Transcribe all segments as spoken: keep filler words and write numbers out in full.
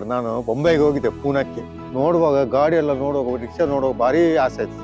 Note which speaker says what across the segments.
Speaker 1: Sir, ನಾನು ಬೊಂಬೈಗೆ ಹೋಗಿದ್ದೆ, ಪೂನಾಕ್ಕೆ. ನೋಡುವಾಗ ಗಾಡಿ ಎಲ್ಲ ನೋಡುವಾಗ, ರಿಕ್ಷಾ ನೋಡುವಾಗ ಭಾರಿ ಆಸೆ ಆಯ್ತು ಸರ್.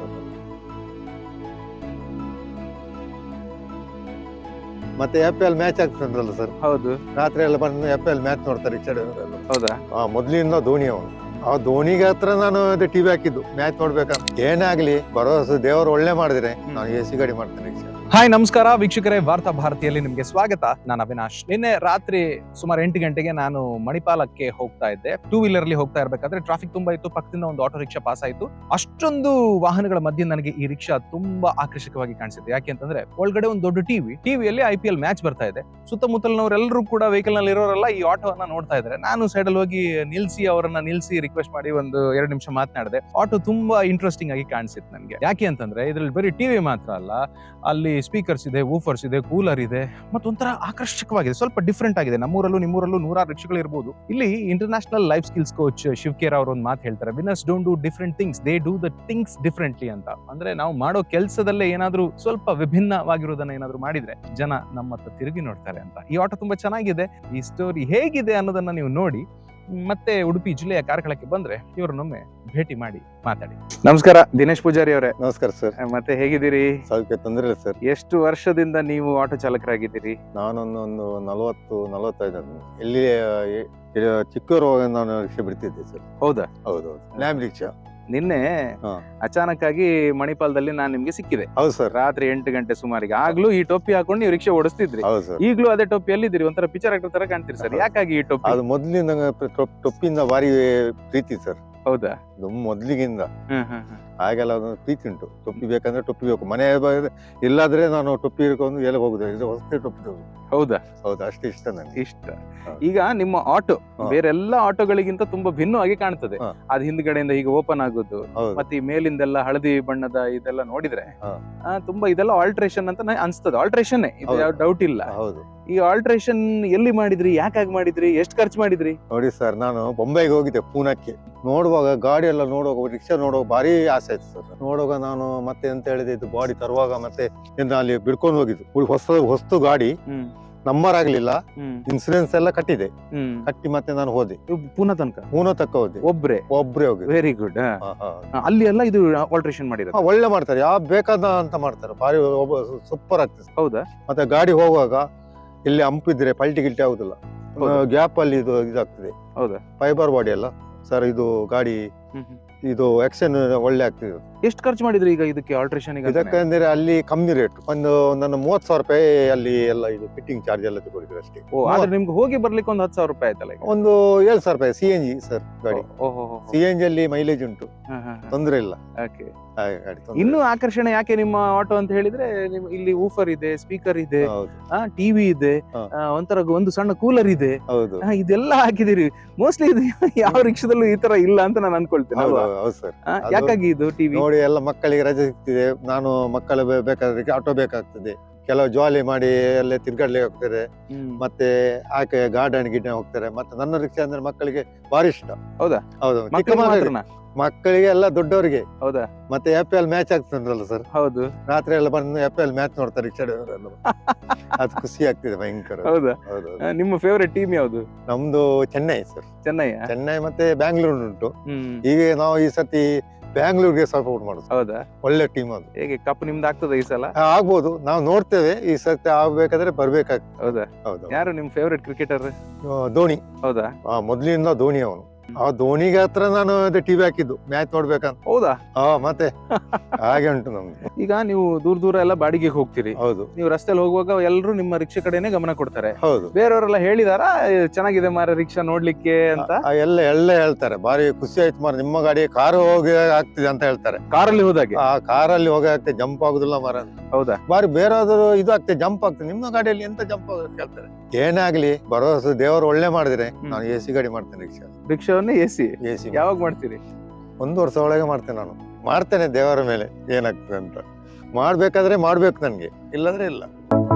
Speaker 1: ಮತ್ತೆ ಎಫ್ ಎಲ್ ಮ್ಯಾಚ್ ಆಗ್ತದಲ್ಲ ಸರ್.
Speaker 2: ಹೌದು,
Speaker 1: ರಾತ್ರಿ ಎಲ್ಲ ಬಂದು ಎಫ್ ಎಲ್ ಮ್ಯಾಚ್ ನೋಡ್ತಾರೆ ರಿಕ್ಷಾ ಡ್ರೈವರ್.
Speaker 2: ಹೌದಾ?
Speaker 1: ಆ ಮೊದ್ಲಿಂದ ಧೋನಿ ಅವನು. ಆ ಧೋನಿಗೆ ಹತ್ರ ನಾನು ಟಿವಿ ಹಾಕಿದ್ದು ಮ್ಯಾಚ್ ನೋಡ್ಬೇಕಂತ. ಏನಾಗ್ಲಿ ಭರವಸೆ ದೇವರು ಒಳ್ಳೆ ಮಾಡಿದ್ರೆ ನಾನು ಎ ಸಿ ಗಾಡಿ ಮಾಡ್ತೇನೆ ರಿಕ್ಷಾ.
Speaker 2: ಹಾಯ್, ನಮಸ್ಕಾರ ವೀಕ್ಷಕರೇ, ವಾರ್ತಾ ಭಾರತಿಯಲ್ಲಿ ನಿಮ್ಗೆ ಸ್ವಾಗತ. ನಾನು ಅವಿನಾಶ್. ನಿನ್ನೆ ರಾತ್ರಿ ಸುಮಾರು ಎಂಟು ಗಂಟೆಗೆ ನಾನು ಮಣಿಪಾಲಕ್ಕೆ ಹೋಗ್ತಾ ಇದ್ದೆ. ಟೂ ವೀಲರ್ ಅಲ್ಲಿ ಹೋಗ್ತಾ ಇರ್ಬೇಕಾದ್ರೆ ಟ್ರಾಫಿಕ್ ತುಂಬಾ ಇತ್ತು. ಪಕ್ಕದಿಂದ ಒಂದು ಆಟೋ ರಿಕ್ಷಾ ಪಾಸ್ ಆಯ್ತು. ಅಷ್ಟೊಂದು ವಾಹನಗಳ ಮಧ್ಯೆ ನನಗೆ ಈ ರಿಕ್ಷಾ ತುಂಬಾ ಆಕರ್ಷಕವಾಗಿ ಕಾಣಿಸಿದೆ. ಯಾಕೆ ಅಂತಂದ್ರೆ ಒಳಗಡೆ ಒಂದು ದೊಡ್ಡ ಟಿವಿ ಟಿವಿಯಲ್ಲಿ ಐ ಪಿ ಎಲ್ ಮ್ಯಾಚ್ ಬರ್ತಾ ಇದೆ. ಸುತ್ತಮುತ್ತಲಿನವರೆಲ್ಲರೂ ಕೂಡ ವೆಹಿಕಲ್ ನಲ್ಲಿ ಇರೋರೆಲ್ಲ ಈ ಆಟೋವನ್ನ ನೋಡ್ತಾ ಇದ್ದಾರೆ. ನಾನು ಸೈಡ್ ಅಲ್ಲಿ ಹೋಗಿ ನಿಲ್ಸಿ ಅವರನ್ನ ನಿಲ್ಸಿ ರಿಕ್ವೆಸ್ಟ್ ಮಾಡಿ ಒಂದು ಎರಡು ನಿಮಿಷ ಮಾತನಾಡಿದೆ. ಆಟೋ ತುಂಬಾ ಇಂಟ್ರೆಸ್ಟಿಂಗ್ ಆಗಿ ಕಾಣಿಸಿತ್ತು ನನಗೆ. ಯಾಕೆ ಅಂತಂದ್ರೆ ಇದ್ರಲ್ಲಿ ಬರೀ ಟಿವಿ ಮಾತ್ರ ಅಲ್ಲ, ಅಲ್ಲಿ ಸ್ಪೀಕರ್ಸ್ ಇದೆ, ವೂಫರ್ಸ್ ಇದೆ, ಕೂಲರ್ ಇದೆ, ಮತ್ತೊಂಥರ ಆಕರ್ಷಕವಾಗಿದೆ. ಸ್ವಲ್ಪ ಡಿಫ್ರೆಂಟ್ ಆಗಿದೆ. ನಮ್ಮೂರಲ್ಲೂ ನಿಮ್ಮೂರಲ್ಲೂ ನೂರಾರು ರಿಕ್ಷಾಗಳು ಇರಬಹುದು. ಇಲ್ಲಿ international life skills coach Shiv Khera ಅವರು ಒಂದು ಮಾತು ಹೇಳ್ತಾರೆ, winners don't do different things, they do the things differently ಅಂತ. ಅಂದ್ರೆ ನಾವು ಮಾಡೋ ಕೆಲಸದಲ್ಲೇ ಏನಾದ್ರೂ ಸ್ವಲ್ಪ ವಿಭಿನ್ನವಾಗಿರೋದನ್ನ ಏನಾದ್ರೂ ಮಾಡಿದ್ರೆ ಜನ ನಮ್ಮ ಹತ್ರ ತಿರುಗಿ ನೋಡ್ತಾರೆ ಅಂತ. ಈ ಆಟೋ ತುಂಬಾ ಚೆನ್ನಾಗಿದೆ. ಈ ಸ್ಟೋರಿ ಹೇಗಿದೆ ಅನ್ನೋದನ್ನ ನೀವು ನೋಡಿ ಮತ್ತೆ ಉಡುಪಿ ಜಿಲ್ಲೆಯ ಕಾರ್ಕಳಕ್ಕೆ ಬಂದ್ರೆ ಇವ್ರನ್ನೊಮ್ಮೆ ಭೇಟಿ ಮಾಡಿ ಮಾತಾಡಿ. ನಮಸ್ಕಾರ ದಿನೇಶ್ ಪೂಜಾರಿ ಅವರೇ.
Speaker 1: ನಮಸ್ಕಾರ ಸರ್.
Speaker 2: ಮತ್ತೆ ಹೇಗಿದ್ದೀರಿ?
Speaker 1: ಸ್ವಲ್ಪ ತೊಂದರೆ ಇಲ್ಲ ಸರ್.
Speaker 2: ಎಷ್ಟು ವರ್ಷದಿಂದ ನೀವು ಆಟೋ ಚಾಲಕರಾಗಿದ್ದೀರಿ?
Speaker 1: ನಾನೊಂದು ಒಂದು ನಲವತ್ತು ನಲವತ್ತೈದು ಇಲ್ಲಿ ಚಿಕ್ಕವರು ನಾನು ರಿಕ್ಷಾ ಬಿಡ್ತಿದ್ದೆ ಸರ್.
Speaker 2: ಹೌದಾ?
Speaker 1: ಹೌದೌದು, ಲ್ಯಾಮ್ ರಿಕ್ಷಾ.
Speaker 2: ನಿನ್ನೆ ಅಚಾನಕ್ ಆಗಿ ಮಣಿಪಾಲದಲ್ಲಿ ನಾನ್ ನಿಮ್ಗೆ ಸಿಕ್ಕಿದೆ.
Speaker 1: ಹೌದು ಸರ್.
Speaker 2: ರಾತ್ರಿ ಎಂಟು ಗಂಟೆ ಸುಮಾರಿಗೆ. ಆಗ್ಲೂ ಈ ಟೋಪಿ ಹಾಕೊಂಡು ನೀವು ರಿಕ್ಷಾ ಓಡಿಸ್ತಿದ್ರಿ.
Speaker 1: ಹೌದು ಸರ್.
Speaker 2: ಈಗ್ಲೂ ಅದೇ ಟೋಪಿಯಲ್ಲಿ ಇದ್ದೀರಿ. ಒಂಥರ ಪಿಕ್ಚರ್ ಆಕ್ಟರ್ ತರ ಕಾಣ್ತೀರಿ ಸರ್. ಯಾಕಾಗಿ ಈ ಟೋಪಿ?
Speaker 1: ಅದು ಮೊದ್ಲಿಂದ ಟೊಪ್ಪಿಂದ ಭಾರಿ ಪ್ರೀತಿ ಸರ್.
Speaker 2: ಹೌದಾ?
Speaker 1: ಮೊದ್ಲಿಗಿಂದ
Speaker 2: ಹ್ಮ್ ಹ್ಮ್ ಹ್ಮ್
Speaker 1: ಹಾಗೆಲ್ಲ ಅದೊಂದು ಪ್ರೀತಿ ಉಂಟು. ಟೊಪ್ಪಿ ಬೇಕಂದ್ರೆ ಟೊಪ್ಪಿ ಬೇಕು. ಮನೆ ಇಲ್ಲಾದ್ರೆ ನಾನು ಟೊಪ್ಪಿ ಹಿಡ್ಕೊಂಡು ಎಲ್ಲ ಹೋಗುದು. ಇದು ಹೊಸದೇ ಟೊಪ್ಪಿ.
Speaker 2: ಹೌದಾ?
Speaker 1: ಹೌದು, ಅಷ್ಟು ಇಷ್ಟ ನನಗೆ.
Speaker 2: ಇಷ್ಟ. ಈಗ ನಿಮ್ಮ ಆಟೋ ಬೇರೆಲ್ಲ ಆಟೋಗಳಿಗಿಂತ ತುಂಬಾ ಭಿನ್ನವಾಗಿ ಕಾಣ್ತದೆ. ಅದ್ ಹಿಂದ್ಗಡೆಯಿಂದ ಈಗ ಓಪನ್ ಆಗೋದು, ಮತ್ತೆ ಈ ಮೇಲಿಂದೆಲ್ಲ ಹಳದಿ ಬಣ್ಣದ ಇದೆಲ್ಲ ನೋಡಿದ್ರೆ ತುಂಬಾ ಇದೆಲ್ಲ ಆಲ್ಟ್ರೇಷನ್ ಅಂತ ಅನ್ಸ್ತದೆ. ಆಲ್ಟ್ರೇಷನ್ ಇದು ಯಾವ ಡೌಟ್ ಇಲ್ಲ.
Speaker 1: ಹೌದು.
Speaker 2: ಈ ಆಲ್ಟ್ರೇಷನ್ ಎಲ್ಲಿ ಮಾಡಿದ್ರಿ? ಯಾಕಾಗಿ ಮಾಡಿದ್ರಿ? ಎಷ್ಟು ಖರ್ಚು ಮಾಡಿದ್ರಿ?
Speaker 1: ನೋಡಿ ಸರ್, ನಾನು ಬೊಂಬೈಗೆ ಹೋಗಿದ್ದೆ, ಪೂನಾಕ್ಕೆ. ನೋಡುವಾಗ ಗಾಡಿ ಎಲ್ಲ ನೋಡುವಾಗ, ರಿಕ್ಷಾ ನೋಡುವಾಗ ಭಾರಿ ಆಸೆ ಆಯ್ತು ಸರ್. ನೋಡುವಾಗ ನಾನು ಮತ್ತೆ ಎಂತ ಹೇಳಿದೆ, ಇದು ಬಾಡಿ ತರುವಾಗ ಮತ್ತೆ ಅಲ್ಲಿ ಬಿಡ್ಕೊಂಡು ಹೋಗಿದ್ದು. ಹೊಸ ಹೊಸ್ತು ಗಾಡಿ, ನಂಬರ್ ಆಗ್ಲಿಲ್ಲ, ಇನ್ಸೂರೆನ್ಸ್ ಎಲ್ಲ ಕಟ್ಟಿದೆ. ಕಟ್ಟಿ ಮತ್ತೆ ನಾನು ಹೋದೆ
Speaker 2: ಪೂನಾ ತನಕ.
Speaker 1: ಪೂನಾ ತಕ್ಕ ಹೋದೆ.
Speaker 2: ಒಬ್ರೆ
Speaker 1: ಒಬ್ರೇ ಹೋಗಿ.
Speaker 2: Very good. ಅಲ್ಲಿ ಎಲ್ಲ ಇದು ಆಲ್ಟ್ರೇಷನ್ ಮಾಡಿದ್ರೆ
Speaker 1: ಒಳ್ಳೆ ಮಾಡ್ತಾರೆ. ಯಾವ ಬೇಕಾದ ಅಂತ ಮಾಡ್ತಾರೆ. ಭಾರಿ ಸೂಪರ್ ಆಗ್ತದೆ.
Speaker 2: ಹೌದಾ?
Speaker 1: ಮತ್ತೆ ಗಾಡಿ ಹೋಗುವಾಗ ಇಲ್ಲಿ ಅಂಪಿದ್ರೆ ಪಲ್ಟಿ ಗಿಲ್ಟಿ ಆಗುದಿಲ್ಲ. ಗ್ಯಾಪ್ ಅಲ್ಲಿ ಇದು ಇದಾಗ್ತದೆ.
Speaker 2: ಹೌದಾ?
Speaker 1: ಫೈಬರ್ ಬಾಡಿ ಅಲ್ಲ ಸರ್ ಇದು ಗಾಡಿ. ಇದು ಆಕ್ಷನ್ ಒಳ್ಳೆ ಆಗ್ತದೆ.
Speaker 2: ಎಷ್ಟು ಖರ್ಚು ಮಾಡಿದ್ರಿ ಈಗ ಇದಕ್ಕೆ ಆಲ್ಟ್ರೇಷನ್?
Speaker 1: ಇದಕ್ಕಂದ್ರೆ ಅಲ್ಲಿ ಕಮ್ಮಿ ರೇಟ್. ಒಂದು ನನ್ನ ಮೂವತ್ ಸಾವಿರ ರೂಪಾಯಿ ಅಲ್ಲಿ ಎಲ್ಲ ಇದು ಫಿಟ್ಟಿಂಗ್ ಚಾರ್ಜ್ ಎಲ್ಲ ತಗೊಂಡಿದ್ರು ಅಷ್ಟೇ.
Speaker 2: ಓ, ಆದ್ರೆ ನಿಮ್ಗೆ ಹೋಗಿ ಬರ್ಲಿಕ್ಕೆ ಒಂದು ಹತ್ತು ಸಾವಿರ ರೂಪಾಯಿ ಆಯ್ತಲ್ಲ? ಒಂದು
Speaker 1: ಏಳು ಸಾವಿರ ರೂಪಾಯಿ ಸಿ ಎನ್ ಜಿ ಸರ್ ಗಾಡಿ. ಸಿ ಎನ್ ಜಿ ಅಲ್ಲಿ ಮೈಲೇಜ್ ಉಂಟು, ತೊಂದ್ರೆ ಇಲ್ಲ.
Speaker 2: ಇನ್ನು ಆಕರ್ಷಣೆ ಯಾಕೆ ನಿಮ್ಮ ಆಟೋ ಅಂತ ಹೇಳಿದ್ರೆ, ಇಲ್ಲಿ ಊಫರ್ ಇದೆ, ಸ್ಪೀಕರ್ ಇದೆ, ಟಿವಿ ಇದೆ, ಒಂಥರ ಒಂದು ಸಣ್ಣ ಕೂಲರ್ ಇದೆ. ಇದೆಲ್ಲ ಹಾಕಿದಿರಿ. ಮೋಸ್ಟ್ಲಿ ಇದು ಯಾವ ರಿಕ್ಷಾದಲ್ಲೂ ಈ ತರ ಇಲ್ಲ ಅಂತ ನಾನು ಅನ್ಕೊಳ್ತೇನೆ. ಯಾಕಾಗಿ ಇದು ಟಿವಿ? ನೋಡಿ, ಎಲ್ಲ ಮಕ್ಕಳಿಗೆ ರಜೆ ಸಿಗ್ತಿದೆ. ನಾನು ಮಕ್ಕಳು ಬೇಕಾದ್ರೆ ಆಟೋ ಬೇಕಾಗ್ತದೆ. ಕೆಲವು ಜಾಲಿ ಮಾಡಿ ಅಲ್ಲೇ ತಿರ್ಗಾಡ್ಲಿಕ್ಕೆ ಹೋಗ್ತಾರೆ, ಮತ್ತೆ ಆಕೆ ಗಾರ್ಡನ್ ಗಿಡ್ನ ಹೋಗ್ತಾರೆ. ಮತ್ತೆ ನನ್ನ ರಿಕ್ಷಾ ಅಂದ್ರೆ ಮಕ್ಕಳಿಗೆ ಭಾರಿ ಇಷ್ಟ. ಹೌದಾ? ಹೌದು. ಮಕ್ಕಳಿಗೆ ಎಲ್ಲ ದೊಡ್ಡವರಿಗೆ. ಹೌದಾ? ಮತ್ತೆ ಎಫ್ ಎಲ್ ಮ್ಯಾಚ್ ಆಗ್ತದಲ್ಲ ಸರ್. ಹೌದು. ರಾತ್ರಿ ಎಲ್ಲ ಬಂದು ಎಫ್ ಎಲ್ ಮ್ಯಾಚ್ ನೋಡ್ತಾರೆ ರಿಕ್ಷಾ ಡ್ರೈವರ್ ಎಲ್ಲ. ಅದು ಖುಷಿ ಆಗ್ತಿದೆ ಭಯಂಕರ. ಹೌದಾ? ನಿಮ್ಮ ಫೇವರೇಟ್ ಟೀಮ್ ಯಾವುದು? ನಮ್ದು ಚೆನ್ನೈ ಸರ್. ಚೆನ್ನೈ ಚೆನ್ನೈ ಮತ್ತೆ ಬ್ಯಾಂಗ್ಳೂರ್ ಉಂಟು. ಈಗ ನಾವು ಈ ಸತಿ ಬ್ಯಾಂಗ್ಳೂರ್ಗೆ ಸಪೋರ್ಟ್ ಮಾಡುದು. ಹೌದಾ? ಒಳ್ಳೆ ಟೀಮ್ ಅದು. ಹೇಗೆ ಕಪ್ ನಿಮ್ದು ಆಗ್ತದೆ ಈ ಸಲ? ಆಗ್ಬೋದು, ನಾವು ನೋಡ್ತೇವೆ. ಈ ಸತಿ ಆಗ್ಬೇಕಾದ್ರೆ ಬರ್ಬೇಕಾಗ್ತದೆ. ಹೌದಾ? ಹೌದು. ಯಾರು ನಿಮ್ ಫೇವರೇಟ್ ಕ್ರಿಕೆಟರ್? ಧೋನಿ. ಹೌದಾ? ಮೊದ್ಲಿಂದ ಧೋನಿ ಅವನು. ಆ ಧೋನಿಗೆ ಹತ್ರ ನಾನು ಟಿವಿ ಹಾಕಿದ್ದು ಮ್ಯಾಚ್ ನೋಡ್ಬೇಕಂತ. ಹೌದಾ? ಹಾ, ಮತ್ತೆ ಹಾಗೆ ಉಂಟು ನಮ್ಗೆ. ಈಗ ನೀವು ದೂರ ದೂರ ಎಲ್ಲ ಬಾಡಿಗೆಗೆ ಹೋಗ್ತೀರಿ. ಹೌದು. ನೀವು ರಸ್ತೆಯಲ್ಲಿ ಹೋಗುವಾಗ ಎಲ್ಲರೂ ನಿಮ್ಮ ರಿಕ್ಷಾ ಕಡೆನೆ ಗಮನ ಕೊಡ್ತಾರೆ. ಹೌದು. ಬೇರೆಯವರೆಲ್ಲ ಹೇಳಿದಾರ ಚೆನ್ನಾಗಿದೆ ಮಾರ ರಿಕ್ಷಾ ನೋಡ್ಲಿಕ್ಕೆ ಅಂತ? ಎಲ್ಲ ಎಲ್ಲ ಹೇಳ್ತಾರೆ. ಬಾರಿ ಖುಷಿ ಆಯ್ತು ಮಾರ, ನಿಮ್ಮ ಗಾಡಿ ಕಾರ್ ಹೋಗಿ ಆಗ್ತಿದೆ ಅಂತ ಹೇಳ್ತಾರೆ. ಕಾರಲ್ಲಿ ಹೋದಾಗೆ? ಆ ಕಾರಲ್ಲಿ ಹೋಗಿ ಆಗ್ತದೆ, ಜಂಪ್ ಆಗುದಿಲ್ಲ ಮಾರ. ಹೌದಾ? ಬಾರಿ ಬೇರೆಯಾದ್ರು ಇದು ಆಗ್ತದೆ, ಜಂಪ್ ಆಗ್ತದೆ. ನಿಮ್ಮ ಗಾಡಿಯಲ್ಲಿ ಎಂತ ಜಂಪ್ ಆಗುತ್ತೆ ಹೇಳ್ತಾರೆ. ಏನಾಗ್ಲಿ ಭರವಸೆ ದೇವರು ಒಳ್ಳೆ ಮಾಡಿದ್ರೆ ನಾನು ಎ ಸಿ ಗಾಡಿ ಮಾಡ್ತೇನೆ. ರಿಕ್ಷಾ ರಿಕ್ಷಾವನ್ನೇ ಎ ಸಿ ಎ ಸಿ ಯಾವಾಗ ಮಾಡ್ತೀರಿ? ಒಂದು ವರ್ಷ ಒಳಗೆ ಮಾಡ್ತೇನೆ. ನಾನು ಮಾಡ್ತೇನೆ ದೇವರ ಮೇಲೆ ಏನಾಗ್ತದೆ ಅಂತ. ಮಾಡ್ಬೇಕಾದ್ರೆ ಮಾಡ್ಬೇಕು ನನ್ಗೆ, ಇಲ್ಲಾಂದ್ರೆ ಇಲ್ಲ.